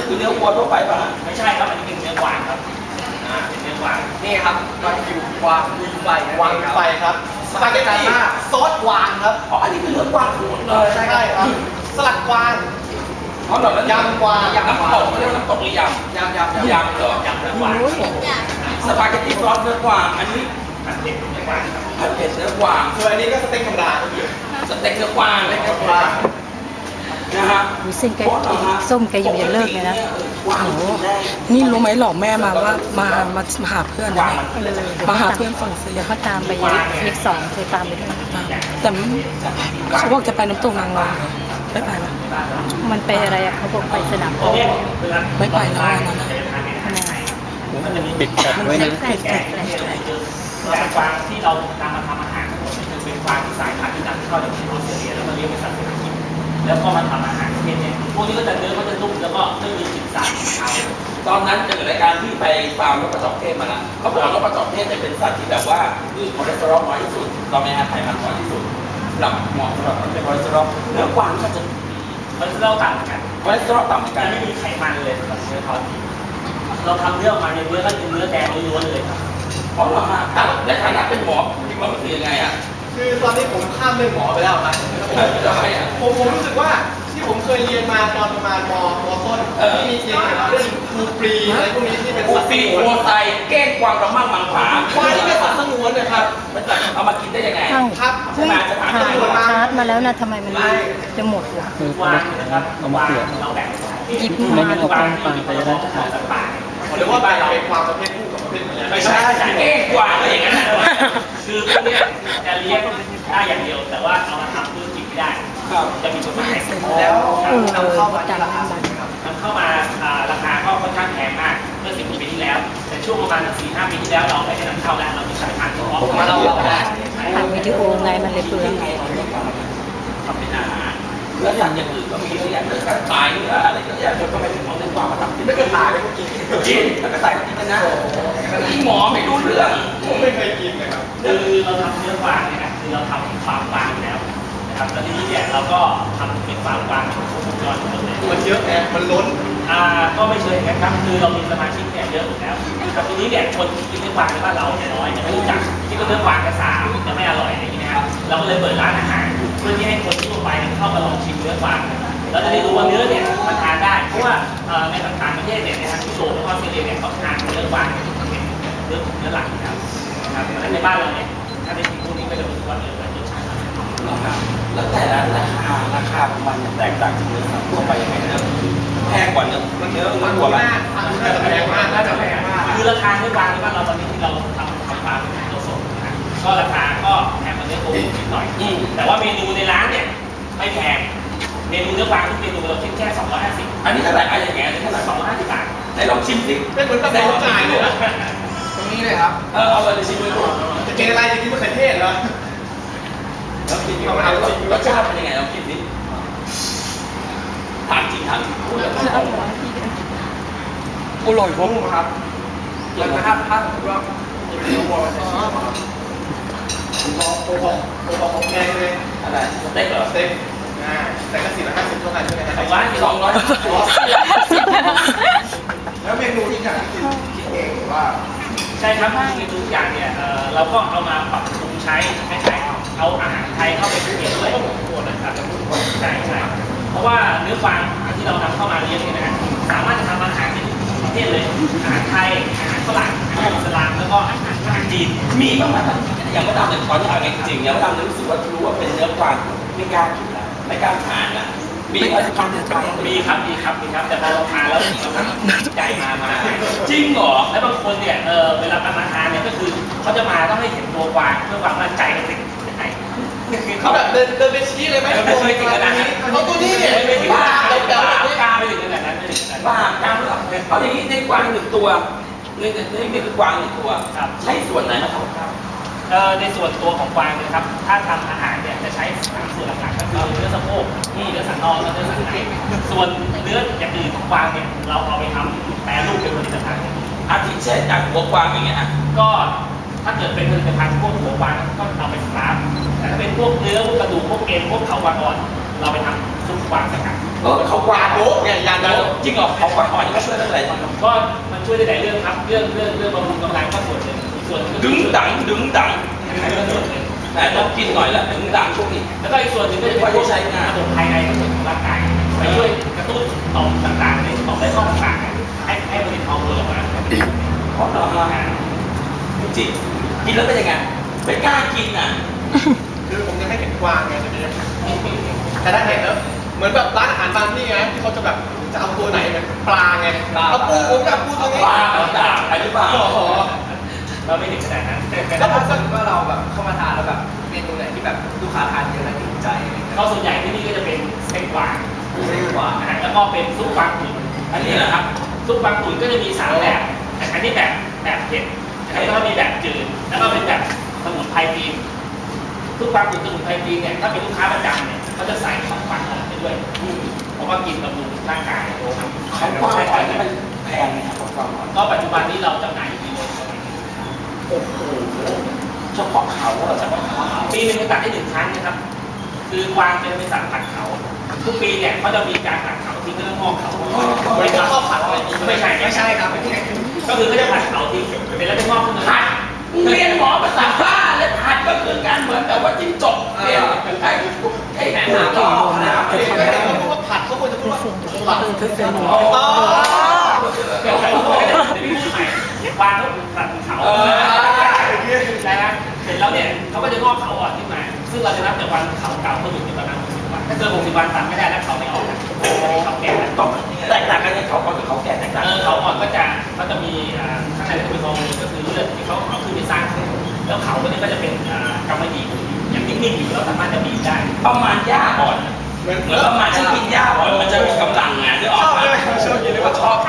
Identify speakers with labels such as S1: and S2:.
S1: คือเนื้อวัวทั่วไปป่ะ
S2: ไม่ใช่ครับอันนี้เป็นเนื้อกวางครับเป็นเนื้อกวาง
S3: นี่ครับวากิวกวางลุยไฟวางไฟครับสปาเกตตี้ซอสกวางครับ
S1: อ๋ออันนี้คือเนื้อกวางทั้งหมดเลย
S3: ใช่ครับสลัดกวาง
S1: อ๋อเหรอย
S3: ำกวาง
S1: น้ำตกเรียกน้ำตกหรือยำยำเหรอยำเนื้อกวางสปาเกตตี้ซอสเนื้อกวางอันนี้
S2: ผัดเผ็ดเนื้อกวางครับ
S1: ผัดเผ็ดเนื้อกวาง
S3: ส่วนอันนี้ก็สเต็กธรรมดา
S1: สเต็กเนื้อกวางเลยครับนะฮะ
S4: ดูเส้นแกส้มแกอยู่อย่าเลิกเลยนะ
S5: โอ้โหนี่รู้ไหมหลอกแม่มาว่ามาหาเพื่อนนะมาหาเพื่อนฝั่งเสีย
S4: เดี๋ยวเขาตามไปวีค2เคยตามไปด้วย
S5: แต่เขาบอกจะไปน้ำตกนางนอนไม่ไปหรอ
S4: มันไปอะไรอะเขาบอกไปสนามโอ
S5: ไม่ไปแล้วนะ
S4: ปิดแฟลชไว้นะปิดแฟลช
S2: แต่กวางที่เรานำมาทำอาหารคือเป็นกวางที่สายพันธุ์ที่นำเข้าจากที่ออสเตรเลียแล้วมาเลี้ยงเป็นสัตว์เศรษฐกิจแล้วก็มาทำอาหารประเภทนี้พวกนี้ก็จะเนื้อก็จะนุ่มแล้วก็ไม่มีกลิ่นสาบขาว
S1: ตอนนั้นเจอรายการที่ไปฟาร์มนกกระจอกเทศมาแล้วเขาบอกว่านกกระจอกเทศจะเป็นสัตว์ที่แบบว่ามีคอเลสเตอรอลน้อยที่สุดเราไม่ให้ไขมันน้อยที่สุดสำหรับเหมาะสำหรับคนเป็นคอเลสเตอรอลเนื้อกวางก็จะ
S2: มันจะเล่าต่างกัน
S1: คอเลสเตอรอลต่ำเหมือนกั
S2: จะ
S1: น
S2: ไม่มีไขมันเลยกับเนื้อเขาเราทำเนื้อออกมาในเนื้อก็เป็นเนื้อแดงล้วนๆเลยครับ
S1: เพราะเรามาในฐานะเป็นหมอคิดว่ามันคือยังไงอ่ะ
S3: คือตอนนี้ผมข้ามเป็นหมอไปแล้วครับผมรู้สึกว่าที่ผมเคยเรียนมาตอนประมาณมต้นที่มีเรียนเกี่ยวกับเรื่องครูปรีอะไรพวกนี้ที่เป็น
S1: สัตว์ปีโคไซเก้งกวางระมั่งมังผา
S3: ควายที่เป็นสัตว์สงวนนะครับ
S1: มันจะเอามากินได้ยังไง
S3: ครับ
S1: ใช่ไหมจะถาม
S4: ถ่ายชาร์จมาแล้วนะทำไมมันจะหมดวะ
S2: วางนะครับวางเราแบ่ง
S4: หยิบมา
S2: เอากล้องฟังไปแล้ว
S3: หรือว่าเป็นความประเภทคู่กับประเภทเมีย
S2: ไม่ใช่เก้งกวางก็อย่างนั้นคือพวกนี้จะเลี้ยงได้อย่างเดียวแต่ว่าเอามาทำธุรกิจไม่ได้จะมีกฎหมาย
S3: แล้วนำเข้ามาราคาสูงครับ
S2: นำเข้ามาราคาก็ค่อนข้างแพงมากเมื่อ10 ปีที่แล้วแต่ช่วงประมาณ4-5 ปีที่แล้วเราไม่ได้นำเข้าแล้วเรามีสายพันธุ์เฉพาะ
S3: มาเราได้
S4: ทำวิดีโอไงมันเลยเปลืองไง
S1: ทำเป็นอาหารเนื้อสัตว์อย่างอื่นก็มีเยอะแยะเนื้อสัตว์ตายเนื้ออะไรก็เยอะจนก็ไม่ถึงเอาเนื้อกวางมาทำ
S3: ไม่เคยตายเลยกิน
S1: แล้วก็ใส่กินกันนะที่หมอไม่รู้เรื่อง
S3: ผมไม่เคยกินเลยครับ
S2: คือเราทำเนื้อกวางเนี่ยนะคือเราทำฟาร์มกวางแล้วนะครับแล้วทีนี้เนี่ยเราก็ทำเป็นฟาร์มกวางของวงจรทั้งหมดเลย
S3: มันเยอะแอบมันล้น
S2: ก็ไม่เชิงนะครับคือเรามีสมาชิกเนี่ยเยอะอยู่แล้วแต่ทีนี้เนี่ยคนที่กินเนื้อกวางในบ้านเราเนี่ยน้อยไม่รู้จักที่ก็เนื้อกวางกระสาจะไม่อร่อยอะไรอย่างนี้นะครับเราก็เลยเปิดร้านอาหารเพื่อที่ให้คนที่ทั่วไปเข้ามาลองชิมเนื้อกวางแล้วจะได้รู้ว่าเนื้อเนี่ยมันทานได้เพราะว่าในต่างประเทศเนี่ยนะครับที่โลกแล้วก็ออสเตรเลียเนี่ยเขาทานเนื้อกวางเป็นเนื้อหลักนะครับแต่ในบ้านเราเนี่ยถ้าได้กินพวกนี้ก็จะรู้ว่าเนื้อมันรสชาติ
S1: แล้วแต่ละราคาของมันแตกต่างจากเนื้อสัตว์ทั่วไปยังไงนะแพงกว่าเนื้อวัวไหม
S3: น่าจะแพงมากน่าจะแพงมาก
S2: คือราคาเนื้อกวางในบ้านเราตอนนี้ที่เราทำฟาร์มตัวสดนะก็ราคาก็แพงกว่าเนื้อโคนิดหน่อยแต่ว่าเมนูในร้านเนี่ยไม่แพงเมนูเนื้อกวางทุกเมนูเราคิดแค่250
S1: อันนี้เท่าไหร่อะไรอย่างเงี้ยเท่าไหร่
S2: 250 บาท
S1: ไหนลองชิมสิ
S3: เป็นเหมือนตะโกนจ่ายเลยตรงนี้เลยครับ
S1: เอาเลยชิมเลย
S3: จะกินอะไรจะกินมะเขือเทศเหรอ
S1: แล้วกินรสชาติเป็นยังไงลองกินสิถามจริงถาม
S5: อร่อย
S3: ครับแล้วถ้าสมมติว่าเนื้อวัวผมแพงเลย
S1: อะไรสเต็กเหรอ
S3: สเต็กแต่ก็450เท่ากันใช่ไหมครับ
S1: 200
S3: แล้วเมนูที่อยากกินคิดเองว่า
S2: ใช่ครับเมนูทุกอย่างเนี่ยเราก็เอามาปรับปรุงใช้ให้ใช้เอาอาหารไทยเข้าไปเกี่ยวด้วยนะครับใช่เพราะว่าเนื้อกวางที่เรานำเข้ามาเลี้ยงเนี่ยนะสามารถจะทำอาหารได้ทุกประเภทเลยอาหารไทยอาหารฝรั่งอาหารอิสลามแล้วก็อาหารจีน
S1: มีบ้างไหมอย่างว่าดำเนี่ยตอนที่อ่านจริงๆอย่างว่าดำรู้สึกว่ารู้ว่าเป็นเนื้อกวางไม่กล้ากินแล้วไม่กล้าทานนะมีอะไรทำเนื้อกวาง
S2: มีครับแต่พอเราทานแล้วใจมา
S1: จริงเหรอ
S2: แล้วบางคนเนี่ยเวลามาทานเนี่ยก็คือเขาจะมาต้องให้เห็นตัวกวางเพื่อความมั่นใจกันสิ
S3: เขาแบบเดินไปชี้เลยไหม
S2: ไม่เคยถึงขนาดนั้น
S3: เขาตัวนี้เนี่ย
S2: ไม่ถึง
S3: บ้า
S2: ไม่ถึงกล้าไม่ถึงขนาดนั้น
S1: บ้ากล้าเอาอย่างนี้ในกวาง1 ตัวนี่คือกวาง1 ตัวใช้ส่วนไหนมาทำครับ
S2: ในส่วนตัวของกวางนะครับถ้าทำอาหารเนี่ยจะใช้3 ส่วนหลักๆก็คือเนื้อสะโพกเนื้อสันนอกและเนื้อสันในส่วนเนื้ออย่างอื่นของกวางเนี่ยเราเอาไปทำแปรรูปเป็นผลิตภัณฑ์
S1: อาทิเช่นจากหัวกวางอย่างเงี้ย
S2: ก็ถ้าเกิดเป็นผลิตภัณฑ์พวกหัวกวางก็เอาไปสตาร์ฟแต่ถ้าเป็นพวกเนื้อพวกกระดูกพวกเอ็นพวกเขากวางอ่อนเราไปทำซุปกวางสกัด
S1: เขากวาด
S3: โบ๊ะเนี่ยยาโบ๊ะ
S1: จริงเหรอเขากวาดหอยนี่ก็ช่วยเรื่องอะไรบ้างครับ
S2: ก็มันช่วยได้หลายเรื่องครับเรื่องบำรุงกำลังก็ส่วนหนึ่งส่วนหนึ่ง
S1: ดึงดังดึงดัง
S2: ก็ส่วนหนึ่ง
S1: แต่ต้องกินหน่อยแล้วดึงดังช่วงนี้
S2: แล้วก็อีกส่วนหนึ่งก็จะเป็นพวกระบบภายในของร่างกายไปช่วยกระตุ้นต่อมต่างๆในต่อมไร้ข้อต่างๆให้ผลิตฮอร์โมนออกมา
S1: ขอเราจริงกินแล้วเป็นยังไงไม่กล้ากินอ่ะ
S3: คือผมยังไม่เห็นกวางไงตอนนี้แต่ถ้าเห็นแล้วเหมือนแบบร้านอาหารบางที่ไงที่เขาจะแบบจะเอาตัวไหนแบบปลาไงเอาปูผมจะเอาปูตัวนี้
S1: ปลาด่างอะไรหรือเปล่า
S3: โอ้โห
S2: เราไม่ถึงขนาดนั้น
S6: แล้วถ้าสมมติว่าเราแบบเข้ามาทานแล้วแบบเมนูไหนที่แบบลูกค้าทานเยอะและติดใจอะไรเงี้ย
S2: ก็ส่วนใหญ่ที่นี่ก็จะเป็นสเต็กกวาง
S6: ใช่กว่า
S2: แล้วก็เป็นซุปกวางตุ๋นอันนี้นะครับซุปกวางตุ๋นก็จะมี3แบบอันนี้แบบเผ็ดแล้วก็มีแบบจืดแล้วก็เป็นแบบสมุนไพรจีนซุปกวางตุ๋นสมุนไพรจีนเนี่ยถ้าเป็นลูกค้าประจำเนี่ยเขาจะใส่ของกวางหอมไปด้วยเพราะว่ากินบำรุงร่างกายครับ
S1: เขากวางหอยนี่มันแพงไหมครับกวางหอย
S2: ก็ปัจจุบันนี้เราจำหน่ายอยู่ที่โล
S1: โอ้โหเฉพาะเขาเหรอเฉพาะเขา
S2: ปีหนึงจะตัดได้1 ครั้งนะครับ คือกวางเป็นสัตว์ผัดเขา ทุกปีเนี่ยเขาจะมีการผัดเขาทิ้งแล้วก็งอกเขา
S3: เหมือนกับข้าวผัดอะไรอย่างงี้
S2: ไม่ใช่
S6: ไม่ใช่ครับ
S2: ก็คือเขาจะผัดเขาทิ้งเป็นแล้วจะงอกขึ้นมา
S1: ผัดเรียนหมอภาษาบ้าเลยผัดก็คือการเหมือนแต่ว่าจิ้งจกเรียนไอ้แหนหาต่อนะ
S3: ไม่ได้เขาพูดว่าผัดเขาควรจะพูดว่าผัด
S1: อ๋อ
S2: เดี๋ยวพี่พูดใหม่กวางเขาผัดเขานะเสร็จแล้วเนี่ยเขาก็จะงอกเขาอ่อนขึ้นมา ซึ่งเราจะนับจากวันเขาเก่าเขาอยู่ที่ประมาณ60 วันถ้าเกิน60 วันตัดไม่ได้แล้วเขาไม่ออกเขาแก่แล้ว
S1: ต้องแตกต่างกันในเขาก่อนหรือเขาแก่แตกต่างกัน
S2: เขาอ่อนก็จะมีข้างในก็เป็นฮอร์โมนก็คือเลือดที่เขาเอาขึ้นไปสร้างแล้วเขาตัวนี้ก็จะเป็นกำมะหยี่อย่างนิ่งๆอยู่เราสามารถจะบีบได้
S1: ประมาณหญ้าอ่อน
S3: เหมือน
S1: เหมือนประมาณที่กินหญ้าอ่อนมันจะมีกำลังไงนึกออกไหมชอบ